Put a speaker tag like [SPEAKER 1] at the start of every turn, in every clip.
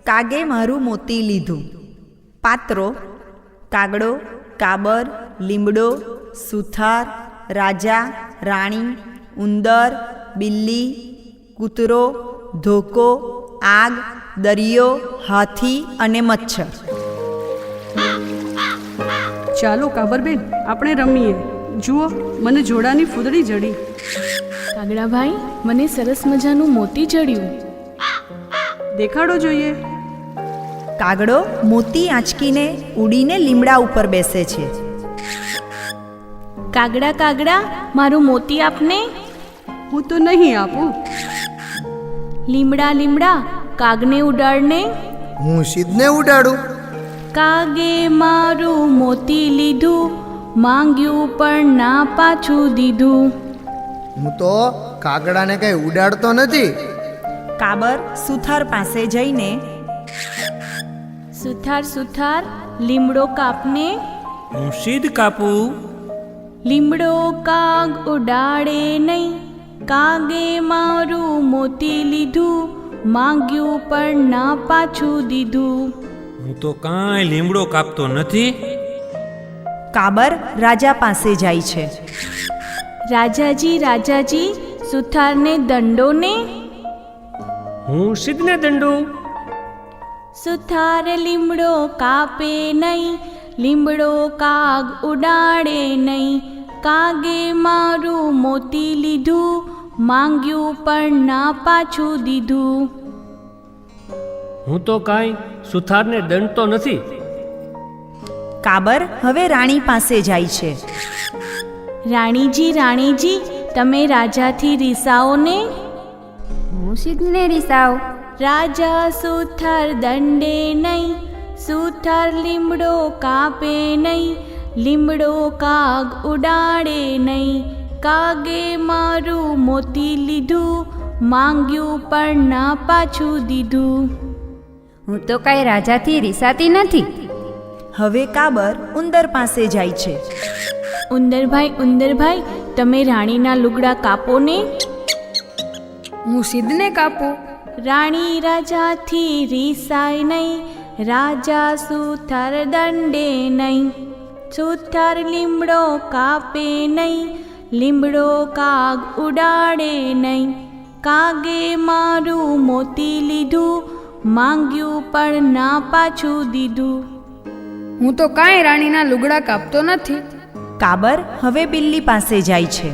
[SPEAKER 1] કાગે મારું મોતી લીધું. પાત્રો: કાગડો, કાબર, લીમડો, સુથાર, રાજા, રાણી, ઉંદર, બિલ્લી, કૂતરો, ધોકો, આગ, દરિયો, હાથી અને મચ્છર.
[SPEAKER 2] ચાલો કાબરબેન, આપણે રમીએ. જુઓ, મને જોડાની ફૂદડી જડી.
[SPEAKER 3] કાગડાભાઈ, મને સરસ મજાનું મોતી જડ્યું.
[SPEAKER 2] દેખાડો જોઈએ.
[SPEAKER 1] કાગડો મોતી આંચકીને ઉડીને લીમડા ઉપર બેસે છે.
[SPEAKER 3] કાગડા કાગડા, મારું મોતી આપને.
[SPEAKER 2] હું તો નહીં આપું.
[SPEAKER 3] લીમડા લીમડા, કાગને ઉડાડને.
[SPEAKER 4] હું સિદ્ધને ઉડાડું.
[SPEAKER 3] કાગે મારું મોતી લીધું, માંગ્યું પણ ના પાછું દીધું.
[SPEAKER 4] હું તો કાગડાને કઈ ઉડાડતો નથી.
[SPEAKER 1] કાબર સુથાર પાસે જઈને,
[SPEAKER 3] સુથાર સુથાર, લીમડો કાપને.
[SPEAKER 5] હું સિદ્ધ કાપું.
[SPEAKER 3] લીમડો કાગ ઉડાડે નહીં, કાગે મારું મોતી લીધું, માંગ્યું પણ ના પાછું દીધું.
[SPEAKER 5] હું તો કાંઈ લીમડો કાપતો નથી.
[SPEAKER 1] કાબર રાજા પાસે જાય છે.
[SPEAKER 3] રાજાજી રાજાજી, સુથારને દંડો ને.
[SPEAKER 5] હું સિદ્ધને દંડો.
[SPEAKER 3] સુથાર લીમડો કાપે નહીં, લીમડો કાગ ઉડાડે નહીં, કાગે મારું મોતી લીધું, માંગ્યું પણ ના પાછું દીધું.
[SPEAKER 6] હું તો કાંઈ સુથારને દંડતો નથી.
[SPEAKER 1] કાબર હવે રાણી પાસે જાય છે.
[SPEAKER 3] રાણીજી રાણીજી, તમે રાજાથી રીસાઓ ને.
[SPEAKER 7] હું સિદ્ધને રીસાવ.
[SPEAKER 3] રાજા સુથાર દંડે નહીં, સુથાર લીમડો કાપે નહીં, લીમડો કાગ ઉડાડે નહીં, કાગે મારું મોતી લીધું, માંગ્યું પણ ના પાછું દીધું.
[SPEAKER 7] હું તો કાંઈ રાજાથી રીસાતી નથી.
[SPEAKER 1] હવે કાબર ઉંદર પાસે જાય છે.
[SPEAKER 3] ઉંદરભાઈ, તમે રાણીના લુગડા કાપો ને.
[SPEAKER 7] હું સિદ્ધને કાપું.
[SPEAKER 3] રાણી રાજાથી રીસાય નહીં, રાજા સુથાર દંડે નહીં, સુથાર લીમડો કાપે નહીં, લીમડો કાગ ઉડાડે નહીં, કાગે મારું મોતી લીધું, માંગ્યું પણ ના પાછું દીધું.
[SPEAKER 7] હું તો કાંઈ રાણીના લુગડા કાપતો નથી.
[SPEAKER 1] કાબર હવે બિલ્લી પાસે જાય છે.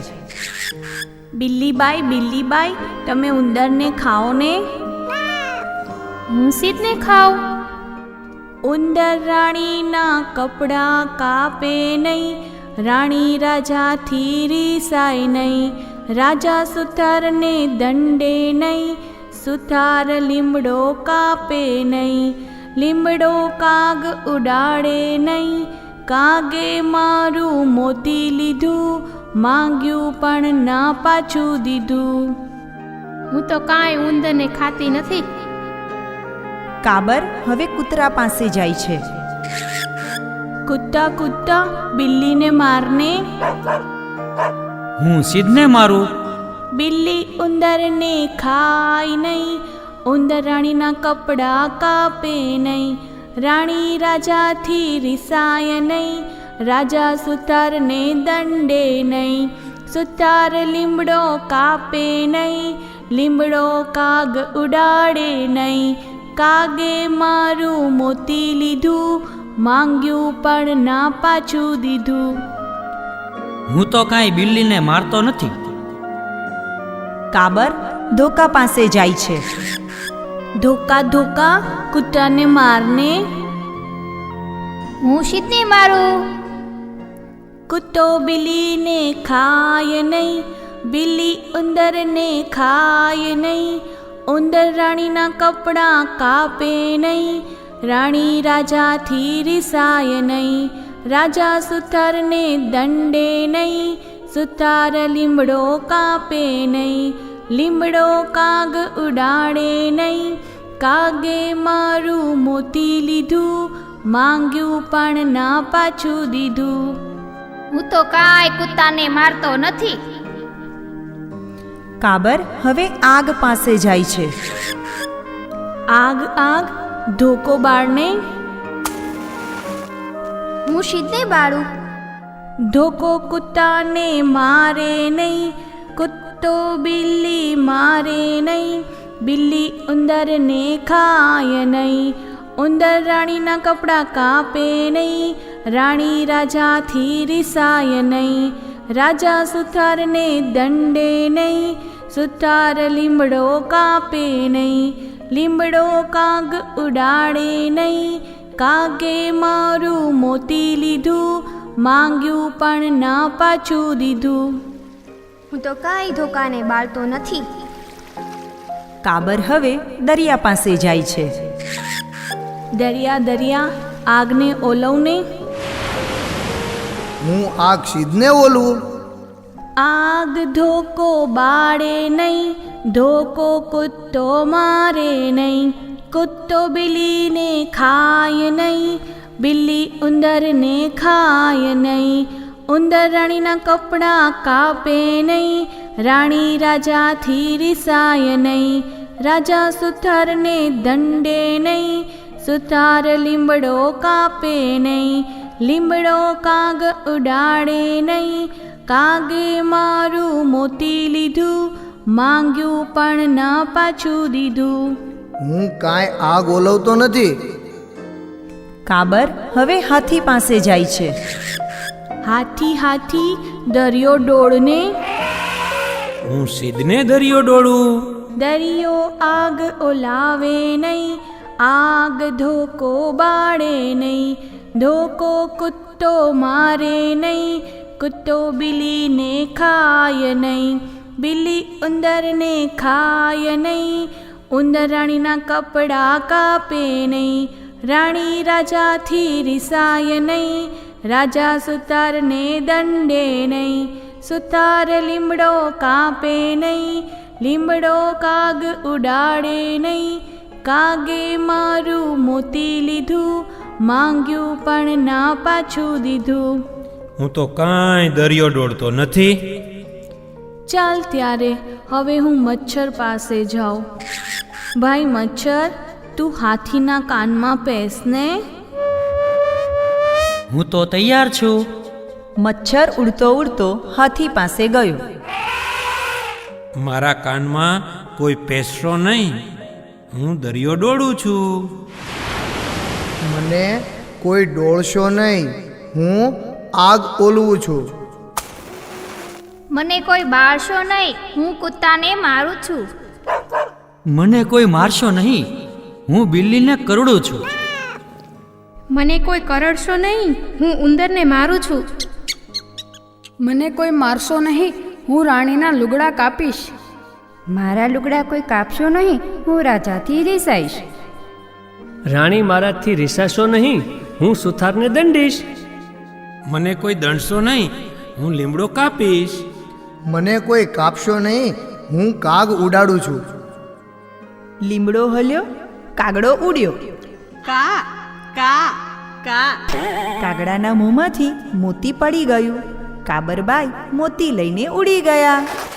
[SPEAKER 3] બિલ્લીબાઈ, તમે ઉંદરને ખાઓ ને.
[SPEAKER 7] હું સિદ્ધને ખાઉં.
[SPEAKER 3] ઉંદર રાણીના કપડાં કાપે નહીં, રાણી રાજાથી રીસાય નહીં, રાજા સુથારને દંડે નહીં, સુથાર લીમડો કાપે નહીં, લીમડો કાગ ઉડાડે નહીં, કાગે મારું મોતી લીધું, માંગ્યું પણ ના પાછું દીધું.
[SPEAKER 7] હું તો કાંઈ ઉંદરને ખાતી નથી.
[SPEAKER 1] કાબર હવે કૂતરા પાસે જાય છે.
[SPEAKER 3] કૂદતા બિલ્લીને મારને.
[SPEAKER 5] હું સિદ્ધને મારું.
[SPEAKER 3] બિલ્લી ઉંદરને ખાય નહીં, ઉંદર રાણીના કપડાં કાપે નહીં, રાણી રાજાથી રીસાય નહીં, રાજા સુથારને દંડે નહીં, સુથાર લીમડો કાપે નહીં, લીમડો કાગ ઉડાડે નહીં, કાગે મારું મોતી લીધું, માંગ્યું પણ ના પાછું દીધું.
[SPEAKER 5] હું તો કાંઈ બિલ્લીને મારતો નથી.
[SPEAKER 1] કાબર ધોકા પાસે જાય છે.
[SPEAKER 3] ધોકા કૂતરાને મારને.
[SPEAKER 7] હું સિદ્ધને મારું.
[SPEAKER 3] કૂતો બિલ્લીને ખાય નહીં, બિલ્લી ઉંદરને ખાય નહીં, ઉંદર રાણીના કપડાં કાપે નહીં, રાણી રાજાથી રીસાય નહીં, રાજા સુથારને દંડે નહીં, સુથાર લીમડો કાપે નહીં, લીમડો કાગ ઉડાડે નહીં, કાગે મારું મોતી લીધું, માંગ્યું પણ ના પાછું દીધું.
[SPEAKER 7] હું તો કાંઈ કૂતાને મારતો નથી.
[SPEAKER 1] કાબર હવે આગ પાસે જાય છે.
[SPEAKER 3] આગ ધોકો બાળને
[SPEAKER 8] હું શીતને બાળું.
[SPEAKER 3] ધોકો કૂતાને મારે નહીં, કૂતો બિલ્લી મારે નહીં, બિલ્લી ઉંદરને ખાય નહીં, ઉંદર રાણીના કપડાં કાપે નહીં, રાણી રાજાથી રિસાય નહીં, રાજા સુથારને દંડે નહીં, સુથાર લીમડો કાપે નહીં, લીમડો કાગ ઉડાડે નહીં, કાગે મારું મોતી લીધું, માંગ્યું પણ ના પાછું દીધું.
[SPEAKER 8] હું તો કાંઈ ધોકાને બાળતો નથી.
[SPEAKER 1] કાબર હવે દરિયા પાસે જાય છે.
[SPEAKER 3] દરિયા દરિયા આગને ઓલવને,
[SPEAKER 4] હું આગ શીદને ઓલું.
[SPEAKER 3] આગ ધોકો બાળે નહીં, ધોકો કૂતો મારે નહીં, કૂતો બિલ્લીને ખાય નહીં, બિલ્લી ઉંદરને ખાય નહીં, ઉંદર રાણીના કપડાં કાપે નહીં, રાણી રાજાથી રિસાય નહીં, રાજા સુથારને દંડે નહીં, સુથાર લીમડો કાપે નહીં, લીમડો કાગ ઉડાડે નહીં, કાગે મારું મોતી લીધું, માંગ્યું પણ ના પાછું દીધું.
[SPEAKER 4] હું કાંઈ આગ ઓલવતો નથી.
[SPEAKER 1] કાબર હવે હાથી પાસે જાય છે.
[SPEAKER 3] હાથી હાથી દરિયો ડોળને,
[SPEAKER 5] હું સીધને દરિયો ડોળું.
[SPEAKER 3] દરિયો આગ ઓલાવે નહીં, આગ ધોકો બાળે નહીં, ધોકો કૂતો મારે નહીં, કૂતો બિલ્લીને ખાય નહીં, બિલ્લી ઉંદરને ખાય નહીં, ઉંદર રાણીના કપડાં કાપે નહીં, રાણી રાજાથી રિસાય નહીં, રાજા સુતારને દંડે નહીં, સુતાર લીમડો કાપે નહીં, લીમડો કાગ ઉડાડે નહીં, કાગે મારું મોતી લીધું, માંગ્યું પણ ના પાછું દીધું.
[SPEAKER 5] હું તો કાંઈ દરિયો ડોળતો નથી.
[SPEAKER 3] ચાલ ત્યારે હવે હું મચ્છર પાસે જાઉં. ભાઈ મચ્છર, તું હાથીના કાનમાં પેસને.
[SPEAKER 5] હું તો તૈયાર છું.
[SPEAKER 1] મચ્છર ઉડતો ઉડતો હાથી પાસે ગયો.
[SPEAKER 5] મારા કાનમાં કોઈ પેસરો નહીં. હું દરિયો ડોળું છું.
[SPEAKER 4] મને કોઈ ડોળશો નહીં. હું આગ ઓલવું છું.
[SPEAKER 8] મને કોઈ બાળશો નહીં. હું કૂતાને મારું છું.
[SPEAKER 5] મને કોઈ મારશો નહીં. હું બિલ્લીને કરડું છું.
[SPEAKER 7] મને કોઈ કરડશો નહીં. હું ઉંદરને મારું છું. મને કોઈ મારશો નહીં. હું રાણીના લુગડા કાપીશ.
[SPEAKER 9] મારા લુગડા કોઈ કાપશો નહીં. હું રાજાથી રીસાઈશ.
[SPEAKER 6] રાણી મારાથી રીસાશો નહીં. હું સુથારને દંડીશ.
[SPEAKER 5] મને કોઈ દંડશો નહીં. હું લીમડો કાપીશ.
[SPEAKER 4] મને કોઈ કાપશો નહીં. હું કાગ ઉડાડું છું.
[SPEAKER 1] લીમડો હલ્યો, કાગડો ઉડ્યો.
[SPEAKER 2] કા કા કા.
[SPEAKER 1] કાગડાના મોંમાંથી મોતી પડી ગયું. કાબરબાઈ મોતી લઈને ઉડી ગયા.